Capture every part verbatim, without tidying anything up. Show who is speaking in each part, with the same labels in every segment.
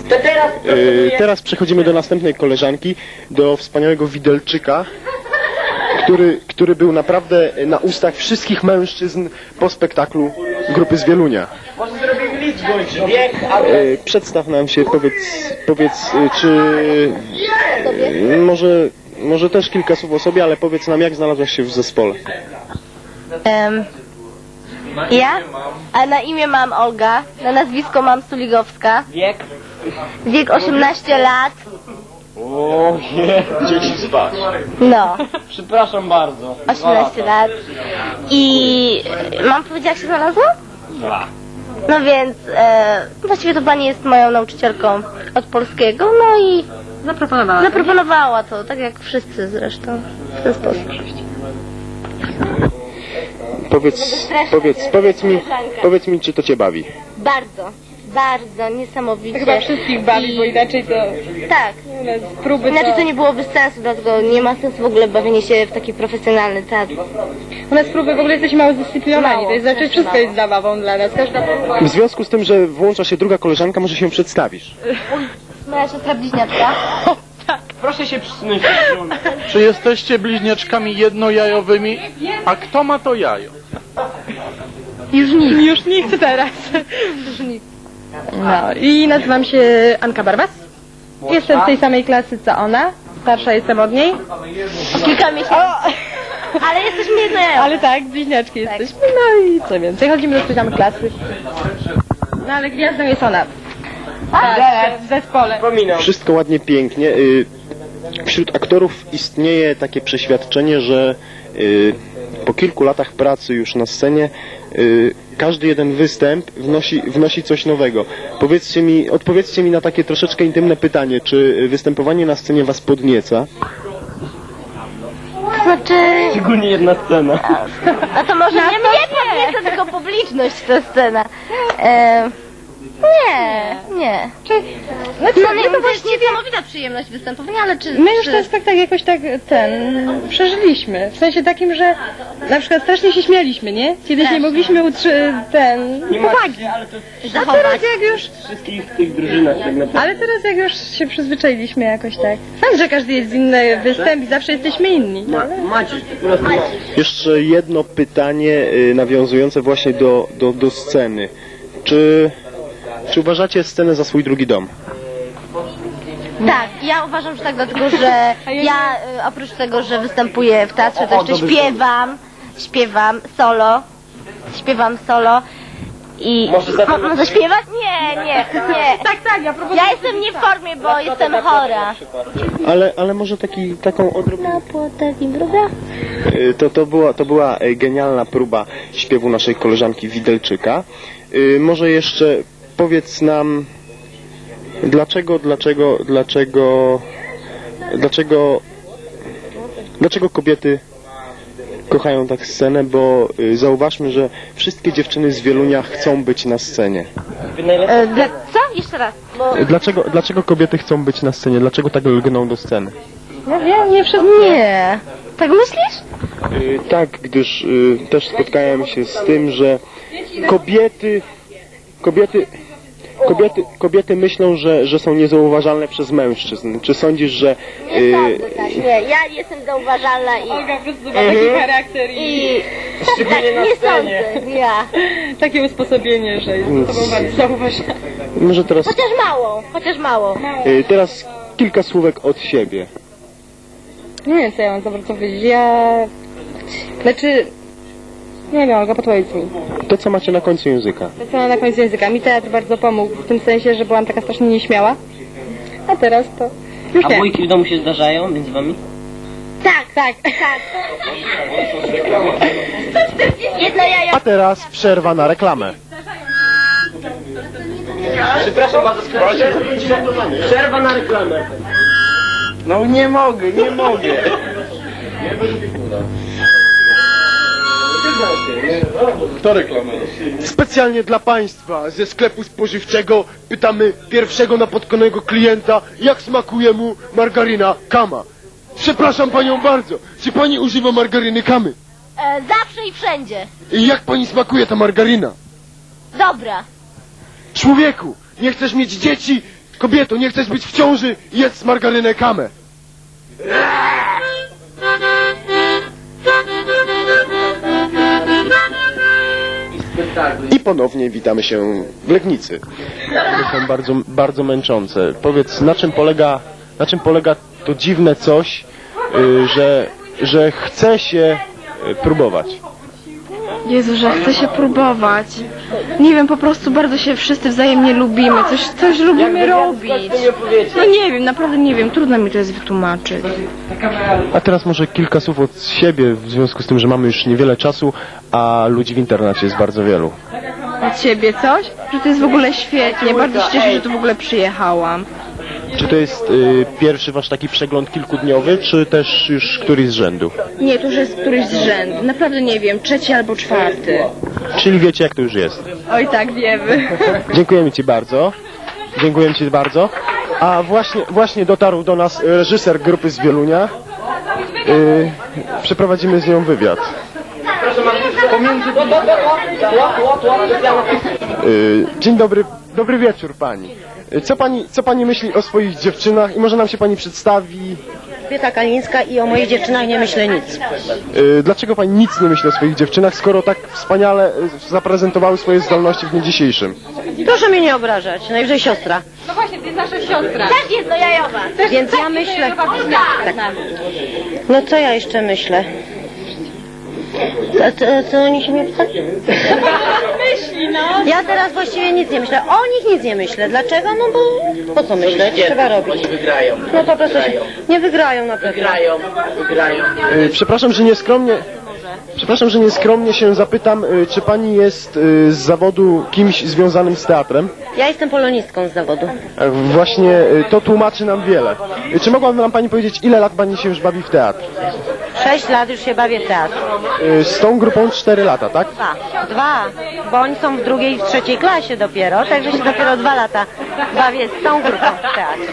Speaker 1: To teraz,
Speaker 2: Yy, teraz przechodzimy do następnej koleżanki, do wspaniałego Widelczyka, który, który był naprawdę na ustach wszystkich mężczyzn po spektaklu grupy z Wielunia.
Speaker 1: może zrobimy liczbę, wiek, a
Speaker 2: Yy, przedstaw nam się, powiedz, powiedz yy, czy... Yy, może, może też kilka słów o sobie, ale powiedz nam, jak znalazłaś się w zespole.
Speaker 3: Em, ja? A na imię mam Olga, na nazwisko mam Suligowska.
Speaker 1: wiek.
Speaker 3: Wiek osiemnaście lat.
Speaker 1: O nie.
Speaker 2: Dzieci spać.
Speaker 3: No,
Speaker 1: Przepraszam bardzo.
Speaker 3: osiemnaście lat. I mam powiedzieć, jak się znalazło?
Speaker 1: Dwa.
Speaker 3: No więc e, właściwie to pani jest moją nauczycielką od polskiego, no i
Speaker 4: Zaproponowała.
Speaker 3: zaproponowała to, tak jak wszyscy zresztą, w ten sposób.
Speaker 2: Powiedz, powiedz, powiedz mi, powiedz mi, czy to cię bawi.
Speaker 3: Bardzo, bardzo, niesamowicie.
Speaker 4: Chyba wszystkich bawi, bo inaczej to
Speaker 3: Tak.
Speaker 4: z próby
Speaker 3: Inaczej
Speaker 4: to...
Speaker 3: to nie byłoby sensu, dlatego nie ma sensu w ogóle bawienie się w taki profesjonalny teatr.
Speaker 4: U nas próby w ogóle jesteśmy mało zdyscyplinowani,
Speaker 3: Mało,
Speaker 4: to jest znaczy
Speaker 3: strasznie
Speaker 4: wszystko
Speaker 3: mało.
Speaker 4: jest zabawą dla nas. Każda próba...
Speaker 2: W związku z tym, że włącza się druga koleżanka, może się przedstawisz.
Speaker 3: Moja siostra bliźniaczka.
Speaker 1: Proszę się przysunąć.
Speaker 5: Czy jesteście bliźniaczkami jednojajowymi? A kto ma to jajo?
Speaker 4: Już nikt. Już nikt teraz. Już nikt. No i nazywam się Anka Barbas. Jestem z tej samej klasy co ona. Starsza jestem od niej.
Speaker 3: O kilka miesięcy. Ale jesteśmy jednojajowe.
Speaker 4: Ale tak, bliźniaczki jesteśmy. No i co więcej, chodzimy do tej samej klasy. No ale gwiazdą jest ona. Tak, w zespole.
Speaker 1: Pominam.
Speaker 2: Wszystko ładnie, pięknie. Y, Wśród aktorów istnieje takie przeświadczenie, że y, po kilku latach pracy już na scenie y, każdy jeden występ wnosi, wnosi coś nowego. Powiedzcie mi, odpowiedzcie mi na takie troszeczkę intymne pytanie, czy występowanie na scenie was podnieca?
Speaker 3: To znaczy,
Speaker 1: Szczególnie jedna scena.
Speaker 3: no to może nie mnie podnieca, tylko publiczność ta scena. E, nie, nie.
Speaker 4: Znaczy,
Speaker 3: No, nie,
Speaker 4: my
Speaker 3: to
Speaker 4: to
Speaker 3: jest
Speaker 4: właściwie...
Speaker 3: niesamowita przyjemność występowania, ale czy...
Speaker 4: My już
Speaker 3: czy...
Speaker 4: ten spektakl jakoś tak ten przeżyliśmy. W sensie takim, że na przykład strasznie się śmialiśmy, nie? Kiedyś nie mogliśmy utrzy... ten... powagi.
Speaker 1: Ale to
Speaker 4: A
Speaker 3: zachować.
Speaker 4: teraz jak już...
Speaker 1: w wszystkich tych drużynach tak naprawdę.
Speaker 4: Ale teraz jak już się przyzwyczailiśmy jakoś tak. Sam, że każdy jest inny występ i zawsze jesteśmy inni. No, ale...
Speaker 1: Maciej, po prostu Maciej.
Speaker 2: Jeszcze jedno pytanie y, nawiązujące właśnie do, do, do sceny. Czy, czy uważacie scenę za swój drugi dom?
Speaker 3: Tak, ja uważam, że tak, dlatego że ja y, oprócz tego, że występuję w teatrze, to jeszcze śpiewam, śpiewam solo, śpiewam solo i...
Speaker 1: Może za-
Speaker 3: Mo- Może śpiewać? Nie, nie, nie.
Speaker 4: Tak, tak, ja proponuję...
Speaker 3: Ja jestem nie w formie, bo jestem chora.
Speaker 2: Ale, ale może taki, taką odrobinę...
Speaker 3: Na płotek i druga?
Speaker 2: Y, To, to, była, to była y, genialna próba śpiewu naszej koleżanki Widelczyka. Y, Może jeszcze powiedz nam, dlaczego, dlaczego, dlaczego, dlaczego, dlaczego kobiety kochają tak scenę, bo y, zauważmy, że wszystkie dziewczyny z Wielunia chcą być na scenie.
Speaker 3: E, dla... Co? Jeszcze raz. Bo...
Speaker 2: Dlaczego, dlaczego kobiety chcą być na scenie? Dlaczego tak lgną do sceny?
Speaker 4: No wiem, nie przez...
Speaker 3: Nie. Tak myślisz?
Speaker 2: Y, Tak, gdyż y, też spotkałem się z tym, że kobiety, kobiety, kobiety, kobiety myślą, że, że są niezauważalne przez mężczyzn. Czy sądzisz, że... Y,
Speaker 3: Tak, tak, nie. Ja jestem zauważalna i...
Speaker 4: Olga po prostu ma taki charakter i
Speaker 3: I... Tak, tak,
Speaker 1: na
Speaker 3: nie
Speaker 1: scenie.
Speaker 3: sądzę, ja.
Speaker 4: takie usposobienie, że jest to bardzo zauważalne.
Speaker 2: może teraz,
Speaker 3: Chociaż mało, chociaż mało.
Speaker 2: y, teraz kilka słówek od siebie.
Speaker 4: Nie wiem, co ja mam za bardzo powiedzieć. Ja... Znaczy... Nie wiem, Olga, podpowiedz mi.
Speaker 2: To, co macie na końcu języka.
Speaker 4: To co na końcu języka. Mi teatr bardzo pomógł w tym sensie, że byłam taka strasznie nieśmiała. A teraz to... Już
Speaker 1: A
Speaker 4: nie.
Speaker 1: bójki w domu się zdarzają między wami?
Speaker 3: Tak, tak, tak. Jedno jajo.
Speaker 2: A teraz przerwa na reklamę.
Speaker 1: Przepraszam bardzo, przerwa na reklamę. No nie mogę, nie mogę.
Speaker 5: Kto reklamuje?
Speaker 2: Specjalnie dla Państwa ze sklepu spożywczego pytamy pierwszego napotkanego klienta, jak smakuje mu margaryna Kama. Przepraszam Panią bardzo, czy Pani używa margaryny Kamy?
Speaker 3: E, zawsze i wszędzie.
Speaker 2: I jak Pani smakuje ta margaryna?
Speaker 3: Dobra.
Speaker 2: Człowieku, nie chcesz mieć dzieci, Kobieto, nie chcesz być w ciąży? Jedz margarynę kamę. I ponownie witamy się w Legnicy. To są bardzo, bardzo męczące. Powiedz, na czym polega, na czym polega to dziwne coś, y, że, że chce się y, próbować?
Speaker 4: Jezu, że chce się próbować. Nie wiem, po prostu bardzo się wszyscy wzajemnie lubimy. Coś, coś lubimy robić. No nie wiem, naprawdę nie wiem. Trudno mi to jest wytłumaczyć.
Speaker 2: A teraz może kilka słów od siebie, w związku z tym, że mamy już niewiele czasu, a ludzi w internecie jest bardzo wielu.
Speaker 4: Od ciebie coś? Że to jest w ogóle świetnie. Bardzo się cieszę, że tu w ogóle przyjechałam.
Speaker 2: Czy to jest y, pierwszy wasz taki przegląd kilkudniowy, czy też już któryś z rzędu?
Speaker 4: Nie, to już jest któryś z rzędu. Naprawdę nie wiem, trzeci albo czwarty.
Speaker 2: Czyli wiecie, jak to już jest.
Speaker 4: Oj tak, wiemy.
Speaker 2: Dziękujemy ci bardzo. Dziękujemy ci bardzo. A właśnie, właśnie dotarł do nas reżyser grupy z Wielunia. Y, przeprowadzimy z nią wywiad.
Speaker 1: Pomiędzy...
Speaker 2: Y, dzień dobry, dobry wieczór pani. Y, Co pani, co pani myśli o swoich dziewczynach i może nam się pani przedstawi?
Speaker 6: Elżbieta Kalińska i o moich dziewczynach nie myślę nic.
Speaker 2: Y, Dlaczego pani nic nie myśli o swoich dziewczynach, skoro tak wspaniale y, zaprezentowały swoje zdolności w dniu dzisiejszym?
Speaker 6: Proszę mnie nie obrażać, najwyżej siostra.
Speaker 4: No właśnie, to jest nasza siostra.
Speaker 3: Też jest do jajowa.
Speaker 6: Więc ja myślę... Tak. No co ja jeszcze myślę? A co, co oni się mnie pytali?
Speaker 4: Myśli, no.
Speaker 6: Ja teraz właściwie nic nie myślę. O nich nic nie myślę. Dlaczego? No bo po co myśleć? Trzeba robić.
Speaker 1: Oni wygrają.
Speaker 6: No po prostu się... Nie wygrają na pewno.
Speaker 1: Wygrają, wygrają.
Speaker 2: Y, Przepraszam, że nieskromnie... Przepraszam, że nieskromnie się zapytam, y, czy pani jest y, z zawodu kimś związanym z teatrem?
Speaker 6: Ja jestem polonistką z zawodu.
Speaker 2: E, Właśnie y, to tłumaczy nam wiele. Y, Czy mogłaby nam pani powiedzieć, ile lat pani się już bawi w teatr?
Speaker 6: Sześć lat już się bawię w teatr.
Speaker 2: Y, Z tą grupą cztery lata, tak?
Speaker 6: Dwa. Dwa. Bo oni są w drugiej i w trzeciej klasie dopiero, także się dopiero dwa lata bawię z tą grupą w teatrze.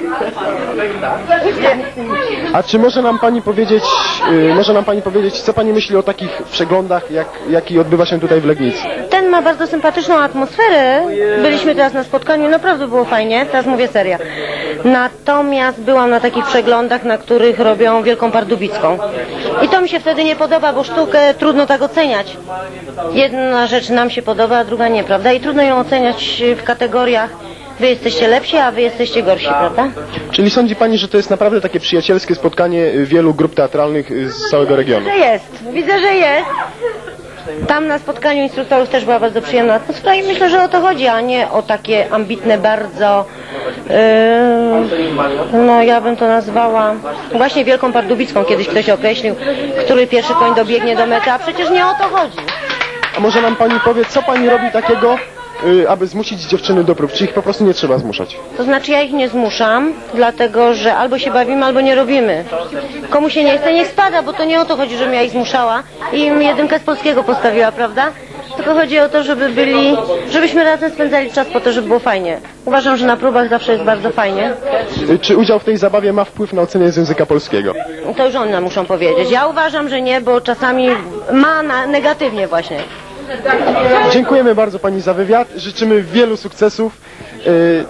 Speaker 2: A czy może nam pani powiedzieć, y, może nam pani powiedzieć, co pani myśli o takich przeglądach, jak, jaki odbywa się tutaj w Legnicy?
Speaker 6: Ten ma bardzo sympatyczną atmosferę. Byliśmy teraz na spotkaniu, naprawdę było fajnie, teraz mówię serio. Natomiast byłam na takich przeglądach, na których robią Wielką Pardubicką. I to mi się wtedy nie podoba, bo sztukę trudno tak oceniać. Jedna rzecz nam się podoba, a druga nie, prawda? I trudno ją oceniać w kategoriach wy jesteście lepsi, a wy jesteście gorsi, prawda?
Speaker 2: Czyli sądzi pani, że to jest naprawdę takie przyjacielskie spotkanie y, wielu grup teatralnych y, z całego regionu?
Speaker 6: Że jest, widzę, że jest. Tam na spotkaniu instruktorów też była bardzo przyjemna atmosfera i myślę, że o to chodzi, a nie o takie ambitne bardzo, yy, no ja bym to nazwała właśnie Wielką Pardubicką, kiedyś ktoś określił, który pierwszy koń dobiegnie do mety, a przecież nie o to chodzi.
Speaker 2: A może nam pani powie, co pani robi takiego, y, aby zmusić dziewczyny do prób? Czy ich po prostu nie trzeba zmuszać?
Speaker 6: To znaczy ja ich nie zmuszam, dlatego że albo się bawimy, albo nie robimy. Komu się nie chce, niech spada, bo to nie o to chodzi, żebym ja ich zmuszała i im jedynkę z polskiego postawiła, prawda? Tylko chodzi o to, żeby byli, żebyśmy razem spędzali czas po to, żeby było fajnie. Uważam, że na próbach zawsze jest bardzo fajnie.
Speaker 2: Y, Czy udział w tej zabawie ma wpływ na ocenę z języka polskiego?
Speaker 6: To już one muszą powiedzieć. Ja uważam, że nie, bo czasami ma na negatywnie właśnie.
Speaker 2: Dziękujemy bardzo pani za wywiad, życzymy wielu sukcesów. Y,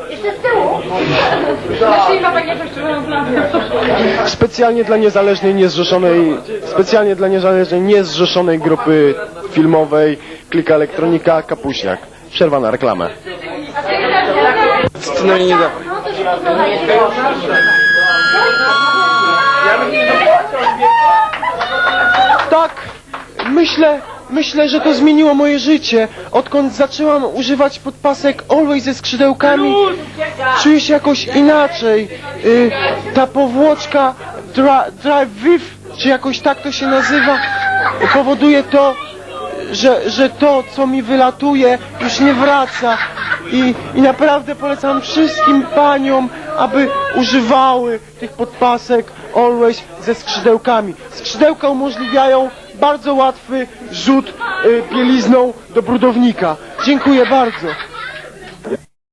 Speaker 2: Specjalnie dla niezależnej, niezrzeszonej, specjalnie dla niezależnej, niezrzeszonej grupy filmowej Klika Elektronika Kapuśniak. Przerwa na reklamę.
Speaker 1: No i nie da.
Speaker 2: Tak, myślę, myślę, że to zmieniło moje życie. Odkąd zaczęłam używać podpasek Always ze skrzydełkami, czuję się jakoś inaczej. Y, ta powłoczka dra, Drive With, czy jakoś tak to się nazywa, powoduje to, że, że to, co mi wylatuje, już nie wraca. I, I naprawdę polecam wszystkim paniom, aby używały tych podpasek Always ze skrzydełkami. Skrzydełka umożliwiają bardzo łatwy rzut y, bielizną do brudownika. Dziękuję bardzo.